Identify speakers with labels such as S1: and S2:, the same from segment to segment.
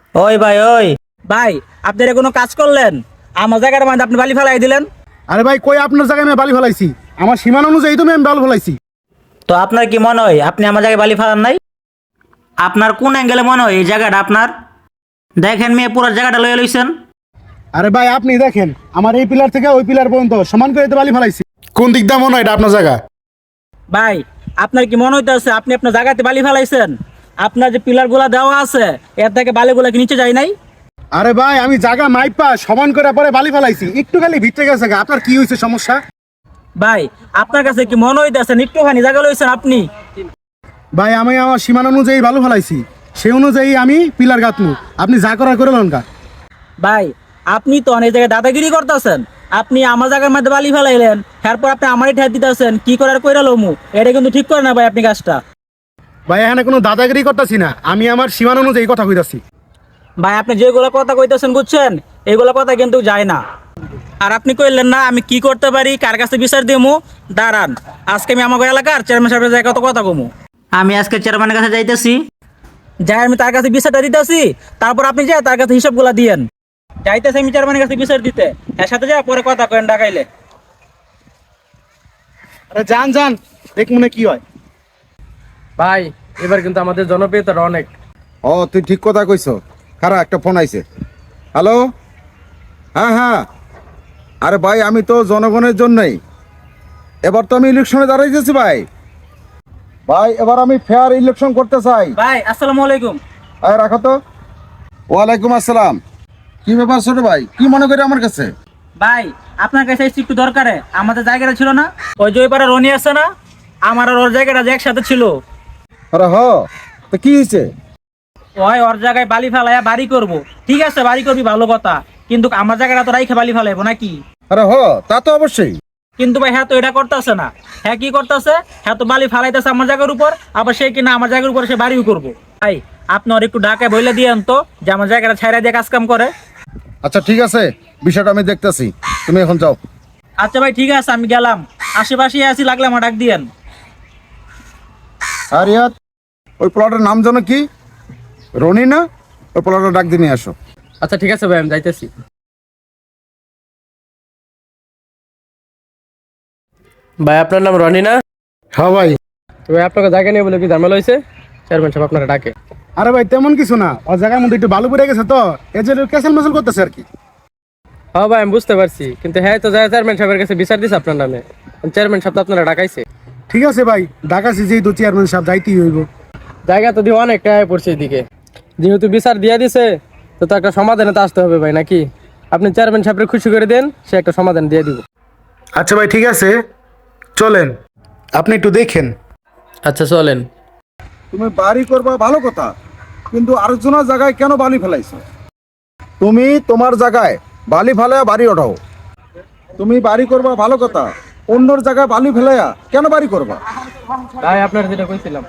S1: ওই ভাই ওই ভাই, আপনারা কোনো কাজ করলেন? আমার জায়গার মধ্যে আপনি বালি ফেলাই দিলেন।
S2: আরে ভাই, কই আপনার জায়গায় আমি বালি ফেলাইছি? আমার সীমানা অনুযায়ী তো আমি বালি ফেলাইছি।
S1: তো আপনার কি মনে হয় আপনি আমার জায়গায় বালি ফেলান নাই? আপনার কোন অ্যাঙ্গেলে মনে হয় এই জায়গাটা আপনার? দেখেন মেয়ে, পুরো জায়গাটা লয়ে লইছেন।
S2: আরে ভাই, আপনি দেখেন আমার এই পিলার থেকে ওই পিলার পর্যন্ত সমান করে তো বালি ফেলাইছি। কোন দিক দিয়ে মনে হয় এটা আপনার জায়গা?
S1: ভাই, আপনার কি মনে হইতেছে আপনি আপনার জায়গাতে বালি ফেলাইছেন? আপনার যে পিলার গুলা দেওয়া আছে এর থেকে বালিগুলা কি নিচে যায় নাই?
S2: আরে ভাই, আমি জায়গা মাইপা সমান করে পরে বালি ফেলাইছি, একটু খালি ভিতরে গেছে গা। আপনার কি হয়েছে সমস্যা?
S1: ভাই, আপনার কাছে কি মনে হইতেছে একটুখানি জায়গা লইছেন আপনি?
S2: ভাই, আমি আমার সীমানা অনুযায়ী বালু ফেলাইছি, সেই অনুযায়ী আমি পিলার গাঁথমু। আপনি যা করার করে লন গা।
S1: ভাই, আপনি তো অনেক জায়গায় দাদাগিরি করতেছেন। আপনি আমার জায়গার মধ্যে বালি ফেলাইলেন, তারপর আপনি আমারই ঠেট দিতেছেন কি করার কইরা লমু। এটা কিন্তু ঠিক করে না ভাই আপনি কাজটা।
S2: ভাই, এখানে কোনো দাদাগিরি করতেছি না, আমি আমার সীমানা অনুযায়ী কথা কইতাছি।
S1: ভাই, আপনি যেগুলো কথা কইতেছেন বুঝছেন, এগুলো কথা কিন্তু যায় না। আর আপনি কইলেন না আমি কি করতে পারি, কার কাছে বিচার দিমু। দাঁড়ান, আজকে আমি আমার এলাকার চেয়ারম্যান সাহেবের জায়গায় কত কথা কমু। আমি আজকে চেয়ারম্যানের কাছে যাইতেছি, যাই আমি তার কাছে বিচারটা দিতেছি। তারপর আপনি যাই তার কাছে হিসাবগুলা দিয়েন। যাইতেছি আমি চেয়ারম্যানের কাছে বিচার দিতে, এর সাথে যা পরে কথা কেন ডাকাইলে।
S2: আরে যান যান, দেখ মনে কি হয়।
S3: ভাই, এবার কিন্তু আমাদের জনপ্রিয়তাটা অনেক।
S4: ও, তুই ঠিক কথা কইছ। খারা একটা ফোন আইছে। হ্যালো, হ্যাঁ হ্যাঁ। আরে ভাই, আমি তো জনগণের জন্যই। এবার তো আমি ইলেকশনে দাঁড়াইতেছি ভাই। ভাই, এবার আমি ফেয়ার ইলেকশন করতে চাই।
S1: ভাই, আসসালামু আলাইকুম।
S4: আরে রাখো তো। ওয়ালাইকুম আসসালাম। কি ব্যাপার ছোট ভাই, কি মনে করি আমার কাছে?
S1: ভাই, আপনার কাছে এসে একটু দরকারে, আমাদের জায়গাটা ছিল না, ওই যে ওই পাড়া রনি আছে না, আমার আর ওর জায়গাটা যে একসাথে ছিল।
S4: আরে তো কি হয়েছে?
S1: ওই ওর জায়গায় বালি ফেলাইয়া বাড়ি করব। ঠিক আছে, বাড়ি করবি ভালো কথা, কিন্তু আমার জায়গাটা তো রাইখে বালি ফেলাইবো নাকি?
S4: আরে তা তো অবশ্যই।
S1: কিন্তু ভাই, হ্যাঁ তো এটা করতেছে না। হ্যাঁ কি করতেছে, হ্যাঁ তো বালি ফালাইতেছে আমার জায়গার উপর, আবার সে কিনা আমার জায়গার উপর সে বাড়িও করবো। ভাই, আপনি ওর একটু ডাকে বইলে দিয়েন তো যে আমার জায়গাটা ছাইরা দিয়ে কাজ কাম করে।
S4: আচ্ছা ঠিক আছে, বিষয়টা আমি দেখতেছি। তুমি এখন যাও।
S1: আচ্ছা ভাই, ঠিক আছে, আমি গেলাম। আশেপাশে আসি, লাগলে আমার ডাক দিয়েন।
S4: আর ইয়াত, ওই প্লটের নাম যেন কি? রনি না? ওই প্লটের ডাক দিয়ে নিয়ে আসো।
S3: আচ্ছা ঠিক আছে ভাই, আমি যাইতেছি। ভাই, আপনার নাম রনি না?
S2: হ্যাঁ ভাই।
S3: তো ভাই, আপনাকে জায়গা নিয়ে বলে কি ঝামেলা হয়েছে? চেয়ারম্যান সাহেব আপনারা ডাকে।
S2: আরে ভাই, তেমন কিছু না, ওর জায়গার মধ্যে একটু বালু পড়ে গেছে তো এই যে ক্যাসেল মেসেল করতেছে আর কি।
S3: হ্যাঁ ভাই, আমি বুঝতে পারছি, কিন্তু হ্যাঁ তো যায় চেয়ারম্যান সাহেবের কাছে বিচার দিছে আপনার নামে। চেয়ারম্যান সাহেব তো আপনারা ডাকাইছে।
S2: ঠিক আছে ভাই, ডাকাছি যেহেতু চেয়ারম্যান সাহেব যাইতেই হইব।
S3: জায়গা তো দিয়ে অনেক টাকা পড়ছে এদিকে, যেহেতু বিচার দিয়ে দিছে তো একটা সমাধানে তো আসতে হবে ভাই নাকি? আপনি চেয়ারম্যান সাহেবকে খুশি করে দেন, সে একটা সমাধান দিয়ে দিব।
S2: আচ্ছা ভাই, ঠিক আছে, চলেন, আপনি একটু দেখেন।
S3: আচ্ছা চলেন।
S4: তুমি বাড়ি করবা ভালো কথা, কিন্তু আরেকজনের জায়গায় কেন বালি ফেলাইছো? তুমি তোমার জায়গায় বালি ফেলাইয়া বাড়ি ওঠাও। তুমি বাড়ি করবা ভালো কথা, অন্যর জায়গায় বালি ফেলাইয়া কেন বাড়ি করবা?
S3: ভাই, আপনার যেটা কইছিলাম।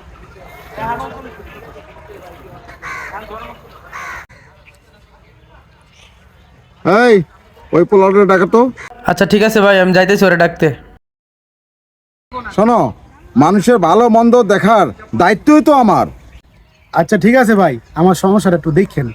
S4: এই, ওই প্লটের ডাকা তো।
S3: আচ্ছা ঠিক আছে ভাই, আমি যাইতেছি ওরে ডাকতে।
S4: শোনো, মানুষের ভালো মন্দ দেখার দায়িত্বই তো আমার।
S2: আচ্ছা ঠিক আছে ভাই, আমার সমস্যাটা একটু দেখেন।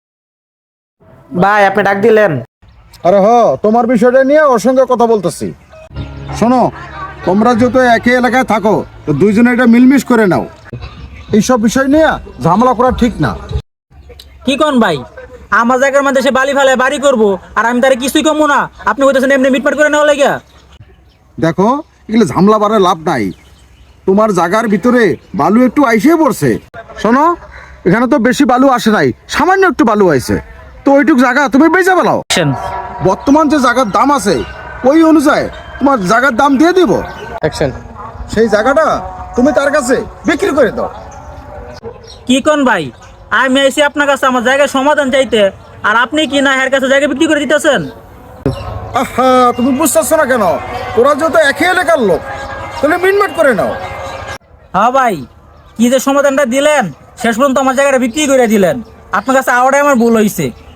S1: ভাই, আপনি ডাক দিলেন?
S4: আরে তোমার বিষয়টা নিয়ে ওর সঙ্গে কথা বলতেছি। শোনো, তোমরা যেহেতু একই এলাকায় থাকো তো দুইজনে এটা মিলমিশ করে নাও। এইসব বিষয় নিয়ে ঝামেলা করা ঠিক না।
S1: কি কোন ভাই, আমার জায়গার মধ্যে সে বালি ফেলায় বাড়ি করবো আর আমি তার কিছুই কমবো না? আপনি বলতেছেন এমনি মিটমাট করে নেওয়া লাগিয়া?
S4: দেখো, এগুলো ঝামেলা বাড়ে লাভ নাই। তোমার জায়গার ভিতরে বালু একটু আইসে পড়ছে। শোনো, এখানে তো বেশি বালু আসে নাই, সামান্য একটু বালু আইছে। তো ওইটুক জায়গা তুমি বেচে ফেলাও। বর্তমান যে জায়গার দাম আছে ওই অনুযায়ী তোমার জায়গার দাম দিয়ে দিব।
S3: অ্যাকশন।
S4: সেই জায়গাটা তুমি তার কাছে বিক্রি করে দাও।
S1: কি কোন ভাই, আমি এসে আপনার কাছে আমার জায়গার সমাধান চাইতে, আর আপনি কি না এর কাছে জায়গা বিক্রি করে দিতেছেন?
S4: আহা, তুমি বুঝতেছো না কেন? তোরা যেহেতু একই এলাকার লোক, তাহলে মিটমাট করে নাও।
S1: হ্যাঁ ভাই, কি যে সমাধানটা দিলেন, শেষ পর্যন্ত আমার জায়গাটা বিক্রি করে দিলেন। আপনার কাছে আওয়াটাই আমার ভুল হয়েছে।